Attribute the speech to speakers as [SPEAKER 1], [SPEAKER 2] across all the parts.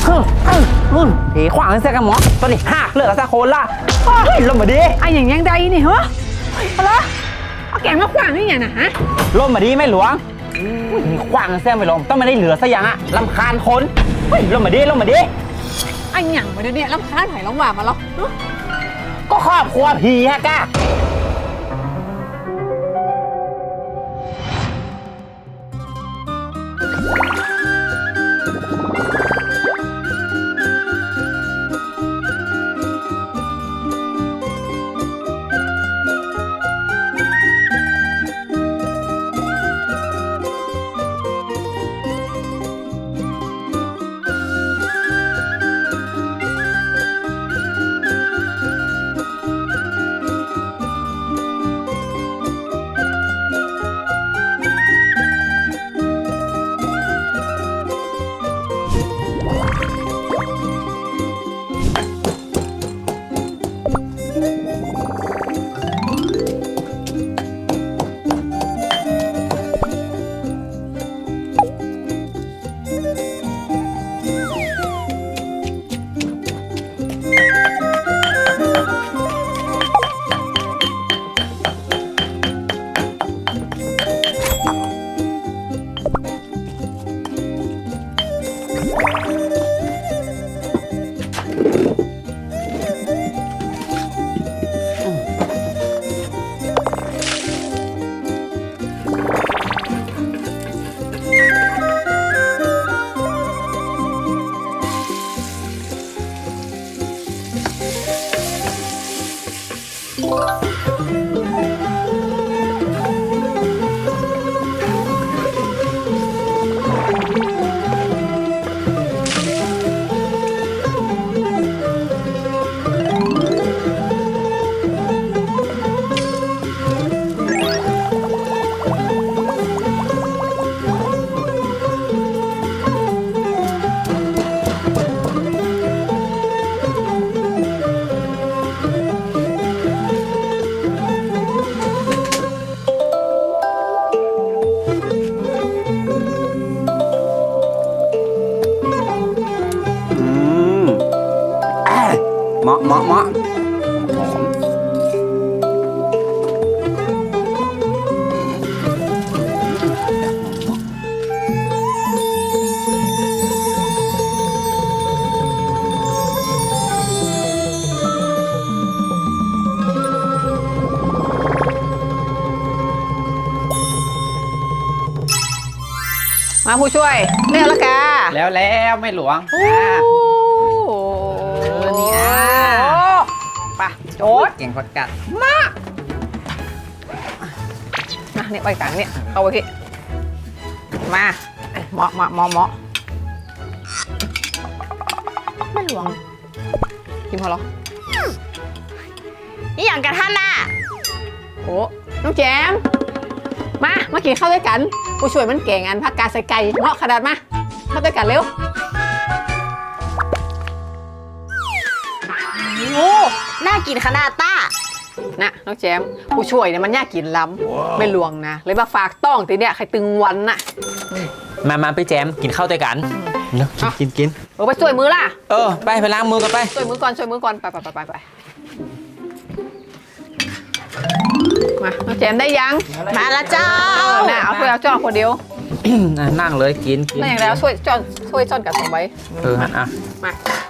[SPEAKER 1] ผีขวางเสียกันหมอตอนนี้หักเลือดซะโคนละเฮ้ยลมมาดิ
[SPEAKER 2] ไอ้อย่างยังใดนี่เหรอเอาละเอาแกงมาขวางนี่ไงนะฮะ
[SPEAKER 1] ลมมาดิไม่หลวงมีขวางเสียไม่ลมต้องไม่ได้เหลือซะอย่างอะลำคาญคนเฮ้ยลมมาดิลมมาดิ
[SPEAKER 2] ไอ้อย่างมาเดี๋ยวนี้ลำคาญไผ่ลำหวานมาแล้ว
[SPEAKER 1] ก็ครอบครัวผีฮะก้าเหมาะเหมาะเหมาะหอม
[SPEAKER 2] มาผู้ช่วยเรียกละกา
[SPEAKER 1] แล้วไม่หลวง
[SPEAKER 2] โอ้นี่อ่ะป่ะโจด
[SPEAKER 1] เก่งพักกัด
[SPEAKER 2] มาเนี่ยไปกลางเนี่ยเอาไปพี่มาเหมาะไม่หลวงกินพอหรอ
[SPEAKER 3] นี่อย่างกับท่านน่ะ
[SPEAKER 2] โอ้น้องแจมมากินข้าวด้วยกันผู้ช่วยมันเก่งอันผักกาดใส่ไก่เหมาะขนาดมาข้าวด้วยกันเร็ว
[SPEAKER 3] โอ้น่ากินขนาดต้า
[SPEAKER 2] นะน้องแจมผู้ช่วยเนี่ยมันยากกินล้ำไม่ลวงนะเลยมาฝากต้องตีเนี่ยใครตึงวันน่ะ
[SPEAKER 1] มาไปแจมกินข้าวด้วยกันเนาะกิน
[SPEAKER 2] ไปช่วยมือล่ะ
[SPEAKER 1] ไปล้างมือกันไป
[SPEAKER 2] ช่วยมือก่อนไปมาน้องแจมได้ยัง
[SPEAKER 3] มาละเจ้า
[SPEAKER 2] น่ะเอาถ้วยเอาจ้อนคนเดียว
[SPEAKER 1] นั่งเลยกิน
[SPEAKER 2] นั่นอย่างแล้วช่วยจ้อนกับสองใบ
[SPEAKER 1] อ่ะ
[SPEAKER 2] มา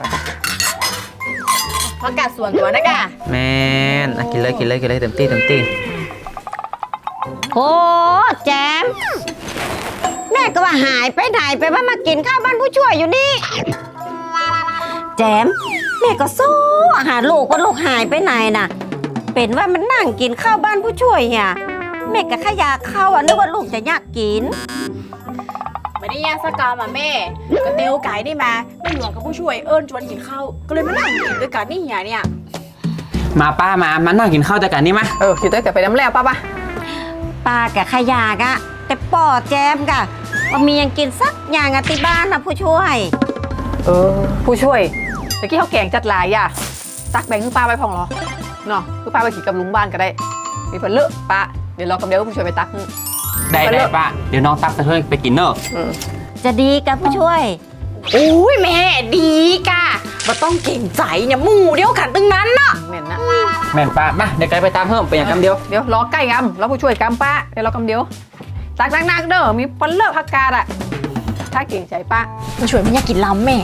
[SPEAKER 3] ผักกาดส่วนตัวนะกะ
[SPEAKER 1] แมนกินเลยเต็มที่
[SPEAKER 3] โอ้แจมแม่ก็ว่าหายไปไหนไปว่ามากินข้าวบ้านผู้ช่วยอยู่นี่แจมแม่ก็สู้หาลูกว่าลูกหายไปไหนน่ะ เป็นว่ามันนั่งกินข้าวบ้านผู้ช่วยอ่ะแม่ก็ขยาข้าวนึกว่าลูกจะอยากกิน
[SPEAKER 4] ไม่ได้ย่างสกาวมาแม่ก็เตียวไก่นี่มาไม่หลวงกับผู้ช่วยเอิญชวนกินข้าวก็เลยมานั่งกินด้วยกันนี่เนี่ย
[SPEAKER 1] มาป้ามานั่งกินข้าวด้วยกันนี่มะ
[SPEAKER 2] อยู่ด้วยกันไปน้ำแล้วป่ะ
[SPEAKER 3] ปลากับขยากะแต่ป่อแจมกะว่ามียังกินสักอย่างอะที่บ้านนะผู้ช่วย
[SPEAKER 2] ผู้ช่วยเมื่อกี้เขาแกงจัดหลายอ่ะตักแบ่งคือป้าไปพองเหรอเนาะคือป้าไปขี่กับลุงบ้านก็ได้มีเพิ่นเลอะป้าเดี๋ยวรอกำเดียวผู้ช่วยไปตัก
[SPEAKER 1] ได้ป้าเดี๋ยวน้องตักไปเพื่อไปกินเนอะ
[SPEAKER 3] จะดีกับผู้ช่วย
[SPEAKER 4] โอ้ยแม่ดีกะมาต้องเก่งใจเนี่ยหมู่เดียวกันตึงนั้นน่ะ
[SPEAKER 2] เหม็นนะ
[SPEAKER 1] แม่นป้ามาเดี๋ยวไกลไปตามเพิ่มเป็นอย่างคำเดียว
[SPEAKER 2] เดี๋ยวรอใกล้กำแล้วผู้ช่วยกำป้าเดี๋ยวรอกำเดียวตักนักๆเด้อมีปนเลิกพักกาดอะถ้าเก่งใจป้า
[SPEAKER 4] ผู้ช่วยไม่อยากกินล้ำแม่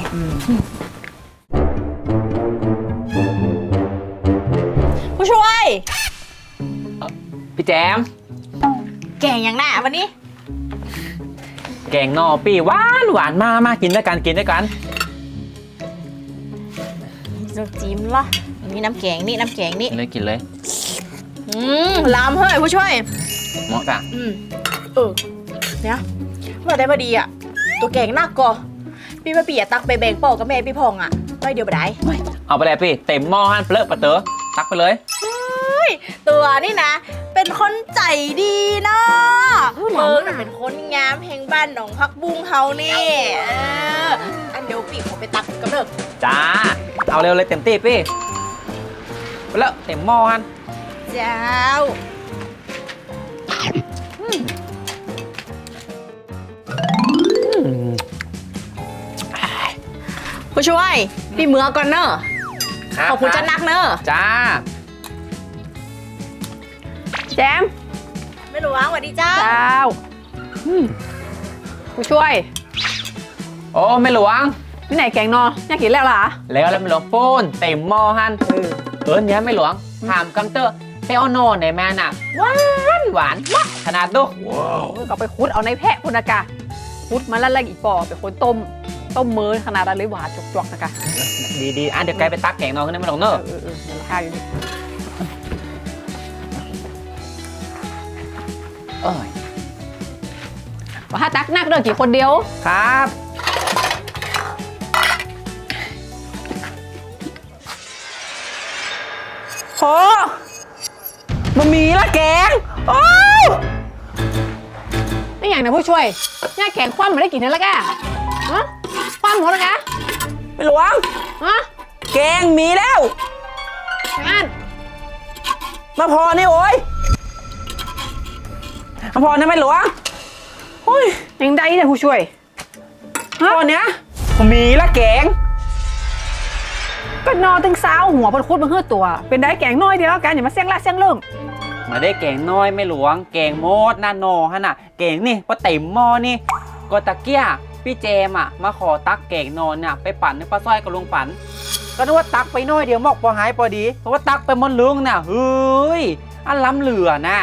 [SPEAKER 4] ผู้ช่วย
[SPEAKER 1] พี่แจม
[SPEAKER 4] แก่งอย่างหน้าวันนี้
[SPEAKER 1] แกงนอปี้หวานหวานมากินด้วยกันกินด้วยกัน
[SPEAKER 4] น้ำจิ้มเหรอมีน้ำแกงนี่น้ำแกงนี่
[SPEAKER 1] กินเลยกินเลย
[SPEAKER 4] ล้ำเฮ้ยผู้ช่วย
[SPEAKER 1] เหมาะกะ
[SPEAKER 4] เนี่ยว่าได้พอดีอ่ะ ตัวแกงหนักก่อพี่มาเปียตักไปแบ่งเป่ากับแม่พี่พองอ่ะไม่เดียวไปได้
[SPEAKER 1] เอาไปเลยพี่เต็มหม้อฮั่นเปลือกปะเต๋อตักไปเลย
[SPEAKER 4] ตัวนี่นะ เป็นคนใจดีเนาะเฟิร์นเป็นคนงามแห่งบ้านหนองพักบุ้งเฮานี่อันเดียวปีขอไปตักกับเด้อ
[SPEAKER 1] จ้าเอาเร็วเลยเต็มที่พี่ไปแล้วเต็มหม้อฮั่น
[SPEAKER 4] เจ้าผู้ช่วยพี่เมือก่อนเนอะ
[SPEAKER 1] รับ
[SPEAKER 4] ขอบคุณเจ้านักเนอะ
[SPEAKER 1] จ้า
[SPEAKER 2] แจม
[SPEAKER 4] ไม่รู้ว่าสวัสดีเจ้า
[SPEAKER 2] เจ้าผู้ช่วย
[SPEAKER 1] โอ้ไม่หลวง
[SPEAKER 2] นี่ไหนแกงนออยากกินแล้วล่ะ
[SPEAKER 1] แล้วไม่หลวงปูนเต็มหม้อฮั่นเนี้ยไม่หลวงถามกำเตอร์ไปเอาโน่นไหนมาน่ะหวานหวานมากขนาดดู
[SPEAKER 2] ก็ไปคุดเอาในแพะพุนากะคุดมาแล้วอีกปอไปคนต้มมือขนาดอะไรหวานจกๆนะคะ
[SPEAKER 1] ดีอ่ะเดี๋ยวไกลไปตักแกงนอนขึ้นได้ไม่หลวงเนอะ
[SPEAKER 2] เดี๋ยวราคาอยู่นี่
[SPEAKER 1] เอ้ย
[SPEAKER 2] ว่าถ้าตักนักเด้อกี่คนเดียว
[SPEAKER 1] ครับโหบะหมี่ละแกงโอ้
[SPEAKER 2] นี่อย่างนะผู้ช่วยเนี่ยแกงคว่ำมาได้กี่เท่าแล้วแกฮะคว่ำหมดแล้วแก
[SPEAKER 1] ไม่หลวง
[SPEAKER 2] ฮะ
[SPEAKER 1] แกงมีแล้ว
[SPEAKER 2] งาน
[SPEAKER 1] มาพอนี่โอ้ยมาพอนะไม่หลวงโอ้ย
[SPEAKER 2] ยังได้เนี่ยผู้ช่วย
[SPEAKER 1] พอเนี้ยมีละแกง
[SPEAKER 2] ก็นอนตึงเช้าหัวพนคุดมาเฮือตัว เป็นได้แกงน้อยเดียวกันอย่ามาเสี่ยงละเสี่ยงเรื่อง
[SPEAKER 1] มาได้แกงน้อยไม่หลวงแกงโมดนาโนฮะน่ะแกงนี่พอเต็มหม้อนี่ก็ตะเกียพี่เจมมาขอตักแกงนอนน่ะไปปั่นในปลาสร้อยกับลุงปั่นก็นึกว่าตักไปน้อยเดียวหมอกพอหายพอดีเพราะว่าตักไปหมดลุงน่ะเฮ้ยอันล้ำเหลือน่ะ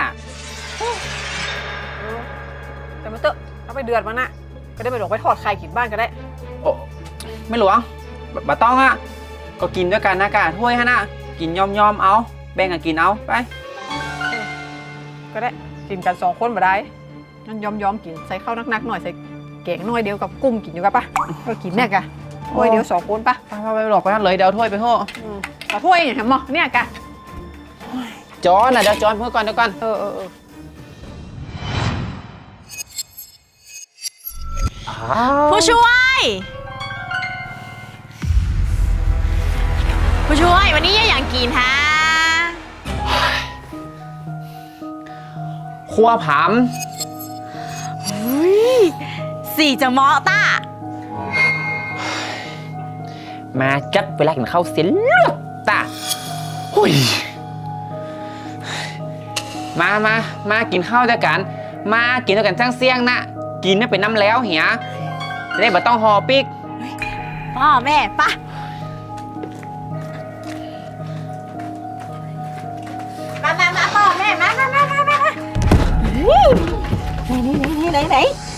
[SPEAKER 2] แต่มาเตอะเอาไปเดือดมานะก็ได้ไปหลงไปทอดไข่กินบ้านก็ได้
[SPEAKER 1] โอ้ไม่หลวงบะต้องอ่ะก็กินด้วยกันนะกะถ้วยฮะน่ะกินยอมเอาแบ่งกันกินเอาไป
[SPEAKER 2] ก็ได้กินกัน2 คนมาได้นั่นยอมกินใส่ข้าวนักๆหน่อยใส่แกงน้อยเดียวกับกุ้งกินอยู่กันปะก็กินเนี่ยกะถ้วยเดียว2 คนปะ
[SPEAKER 1] ไปหลอกไปเลยเดี๋ยวเอาถ้วยไปห่อ
[SPEAKER 2] เอาถ้วยอย่างหมอเนี่ยกะ
[SPEAKER 1] จอนน่ะเดี๋ยวจอนเพื่อก่อนเดี๋ยวก่อน
[SPEAKER 4] ผู้ช่วย ผู้ช่วยวันนี้อยากกินฮะ
[SPEAKER 1] ครัวผาม
[SPEAKER 4] สี่จะเหมาะต้า
[SPEAKER 1] มาจัดเวลากินข้าวเสียเลือดตาหุยมากินข้าวด้วยกัน มากินด้วยกันทั้งเสี่ยงนะกินไม่เป็นน้ำแล้วเหียจะได้บ่ต้องห่อปิก
[SPEAKER 4] พ่อแม่ปะมาพ่อแม่มาไหน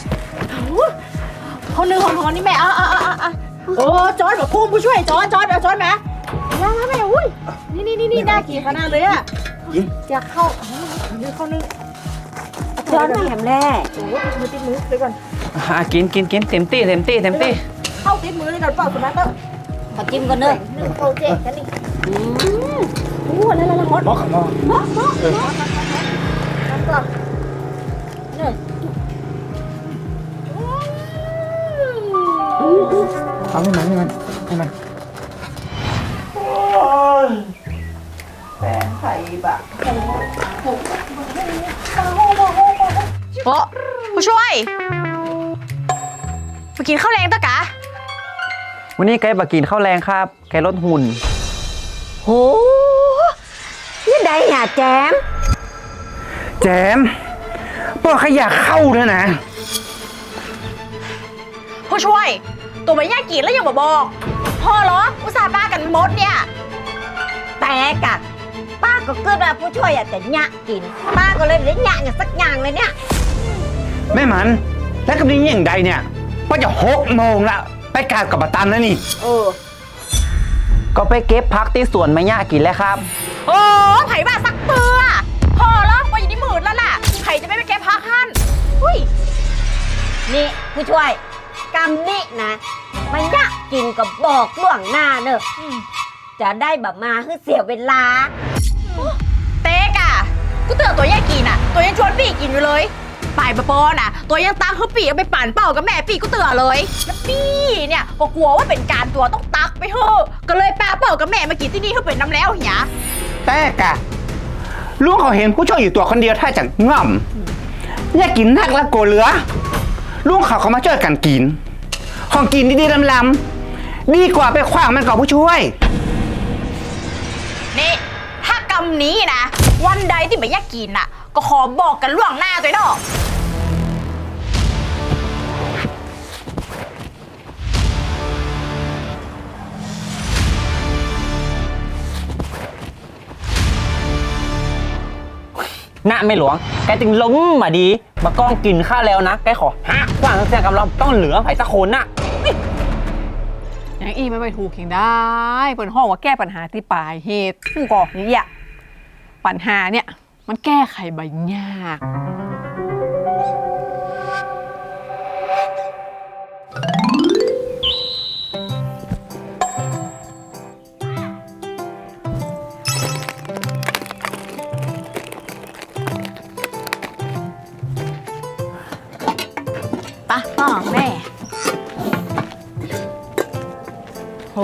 [SPEAKER 4] คนหนึ่งคนนี่แม่โอ้จอนแบบพุ่งผู้ช่วยจอนแบบจอนมาแม่อุ้ยนี่น่ากินขนาดเลยอ่ะอยากเข้านึงจอนมาแหมแร่โอ้ติดมือเลยก่อน
[SPEAKER 1] กินเต็มที่
[SPEAKER 4] เข้าติดมือเลยก่อนเปล่าคุณนัทเตอร์
[SPEAKER 3] ขอจิ้มก่อนเด้อ
[SPEAKER 4] โอเคกันนี่อะไรฮอตบอกก่อนเนี่ย
[SPEAKER 1] เอาให้มันแฟนไข่บะ
[SPEAKER 4] โอ้ผู้ช่วยไปกินข้าวแรงตะกะ
[SPEAKER 1] วันนี้ไก่บากินข้าวแรงครับไก่ลดหุ่น
[SPEAKER 3] โหนี่ใดอย่าแจม
[SPEAKER 5] แจมบอกขยะเข้าด้วยนะ
[SPEAKER 4] ผู้ช่วย ตัวไม่ยากกินแล้วยังบอกพ่อเหรออุตส่าห์ป้ากันมดเนี่ย
[SPEAKER 3] แต่กะป้าก็เกิดว่าผู้ช่วยอยากจะหยะกิน ป้าก็เลยได้หยะอย่างสักอย่างเลยเนี่ย
[SPEAKER 5] แม่มันแล้วกับนี้อย่างใดเนี่ยป้าจะ6 โมงละไปกราบกับปะตันแล้วนี่
[SPEAKER 1] ก็ไปเก็บพักที่สวนมะย่ากินแล้วครับ
[SPEAKER 4] โอ้ไผ่บ้าสักเปือพ่อเหรอว่าอยู่ที่หมื่นแล้วล่ะไผ่จะไม่ไปแก้พักฮั่นอุ้ย
[SPEAKER 3] นี่ผู้ช่วยกำนี่นะมันหยะกินก็บอกล่วงหน้าเนอะจะได้แบบมาคือเสียเวลา
[SPEAKER 4] เต๊กอ่ะกูเตือนตัวแยกกินอ่ะ ตัวยังชวนปีกินอยู่เลยป่ายปะปอน่ะ ตัวยังตักเขาปีเอาไปปั่นเป่ากับแม่ปีกูเตือนเลยแล้วปีเนี่ยก็กลัวว่าเป็นการตัวต้องตักไปเถอะก็เลยป้าเป่ากับแม่มากินที่นี่เขาเป็นน้ำแล้วเหีย
[SPEAKER 5] แต่กะลุงเขาเห็นผู้ช่วยอยู่ตัวคนเดียวถ้าจะง่อมอยากกินนักแล้วโกเหลือลุงเขามาช่วยกันกินของกินดีๆลำๆดีกว่าไปขว้างมันกับผู้ช่วย
[SPEAKER 4] นี่ถ้ากำนี้นะวันใดที่ไม่อยากกินน่ะ ก็ขอบอกกันล่วงหน้าตัวเนาะ
[SPEAKER 1] หน้าไม่หลวงไก่จึงล้มมาดีมากล้องกินข้าวแล้วนะไก่ขอฮะกว่างเสียงกับเราต้องเหลือไผ่สักคนน่ะ
[SPEAKER 2] อย่างอีไม่ไปถูกเองได้เปิดห้องว่าแก้ปัญหาที่ปลายเหตุผู้ก่ออย่างเงี้ยปัญหาเนี่ยมันแก้ไขใบยาก
[SPEAKER 4] ปะพ่อแม่โห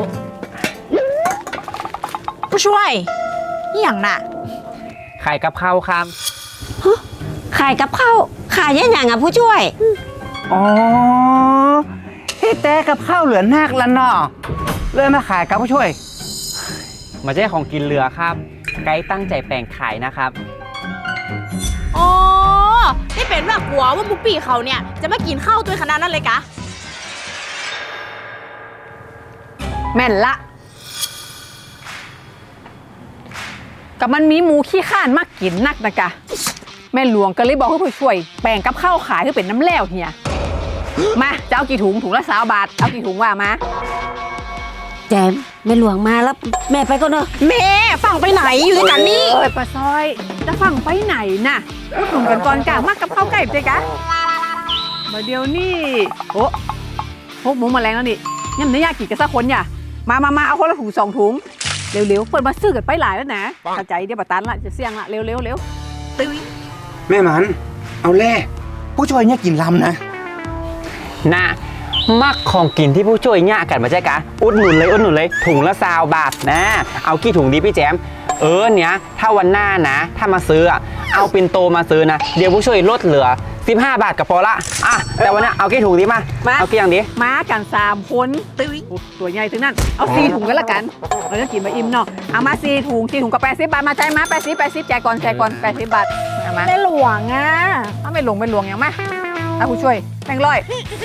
[SPEAKER 4] ผู้ช่วยนี่อย่างน่ะ
[SPEAKER 1] ไข่กับข้าวครับ
[SPEAKER 3] ขายกับข้าวขายยังไงอ่ะผู้ช่วย
[SPEAKER 5] อ๋อเฮ้แต่กับข้าวเหลือนักละเนาะเลยมาขายกับผู้ช่วย
[SPEAKER 1] มาใช่ของกินเรือครับ ไก่ตั้งใจแปลงขายนะครับ
[SPEAKER 4] อ๋อนี่เป็นแบบกลัวว่ามุกปีเขาเนี่ยจะมากินข้าวตัวขนาดนั้นเลยกะ
[SPEAKER 2] แม่นละกับมันมีหมูขี้ข้านมากกินนักนะกะแม่หลวงก็เลยบอกให้ผู้ช่วยแบ่งกับข้าวขายให้เป็นน้ำแล้วเฮียมาจะเอากี่ถุงถุงละ20 บาทเอากี่ถุงว่ามา
[SPEAKER 3] แจมแม่หลวงมาแล้วแม่ไปก็เนอะ
[SPEAKER 4] แม่ฟังไปไหนอยู่ด้วยกันนี่
[SPEAKER 2] เอ้ยป้าซอยจะฟังไปไหนน่ะพูดถึงกันก่อนกะมากกับข้าวไก่เจ๊กะมาเดี๋ยวนี่โอ้พกหมูแมลงแล้วนี่ยังไม่อยากกินกันสักคนอย่ามาเอาคนละถุง2 ถุงเร็วๆเปิดมาซื้อกันไปหลายแล้วนะเข้าใจเดี๋ยวปะตันละจะเสี่ยงละเร็วตื้อ
[SPEAKER 5] แม่มันเอาแล่ผู้ช่วยเนี่ยกินลำนะ
[SPEAKER 1] น่ะมักของกินที่ผู้ช่วยเนี่ยกันมาใช่กะอุดหนุนเลยถุงละ20 บาทนะ เอากี่ถุงดีพี่แจมเนี่ยถ้าวันหน้านะ ถ้ามาซื้ออะเอาปินโตมาซื้อนะเดี๋ยวผู้ช่วยลดเหลือ15 บาทก็พอละอ่ะแต่วันนี้เอากี่ถุงดีมาเอากี่อย่างดี
[SPEAKER 2] มากัน3 คนตื้อตัวใหญ่ถึงนั่นเอา4 ถุงกันละกันเราจะกินมาอิ่มเนาะเอามา4 ถุงกับ80 บาทมาใจมา80แจกก่อน80 บาทเอามา
[SPEAKER 4] แม่หลวงอ่ะ
[SPEAKER 2] เอาไม่หลวงอย่างมาเอาผู้ช่วยแบ่งร้อย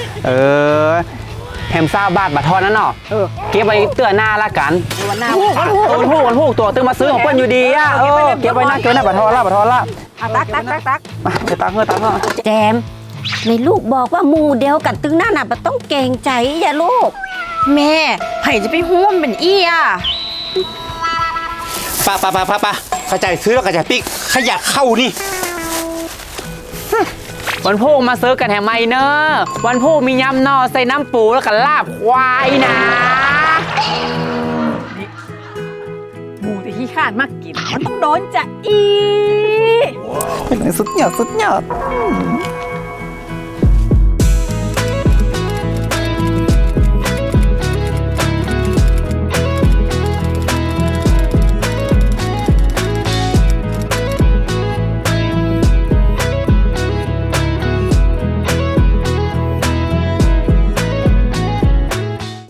[SPEAKER 1] แฮม20 บาทบาททอนนั่นเนาะเก็บไว้เตือนหน้าละกัน
[SPEAKER 2] วันหน้า
[SPEAKER 1] วันพูกตัวตึงมาซื้อของเปิ้ลอยู่ดีอ่ะเก็บไว้นะบาททอนละ
[SPEAKER 2] อ่ะตัก
[SPEAKER 1] มาไปตักเถอะ
[SPEAKER 3] แจมในลูกบอกว่าหมูเดียวกันตึงหน้าน่ะมันต้องเกรงใจอย่าลูก
[SPEAKER 4] แม่ไผ่จะไปห่วมเป็นอี้อ่ะ
[SPEAKER 5] ป้าเข้าใจซื้อแล้วก็จะปิ๊กขยะเข้านี่
[SPEAKER 1] วันพูกมาซื้อกันแถมไม่เนอะวันพูกมียำนอใส่น้ำปูแล้วก็ลาบควายนะ
[SPEAKER 2] หมูที่ขี้ข้านมากกินมันต้องโดนจะอี
[SPEAKER 5] สุดยอด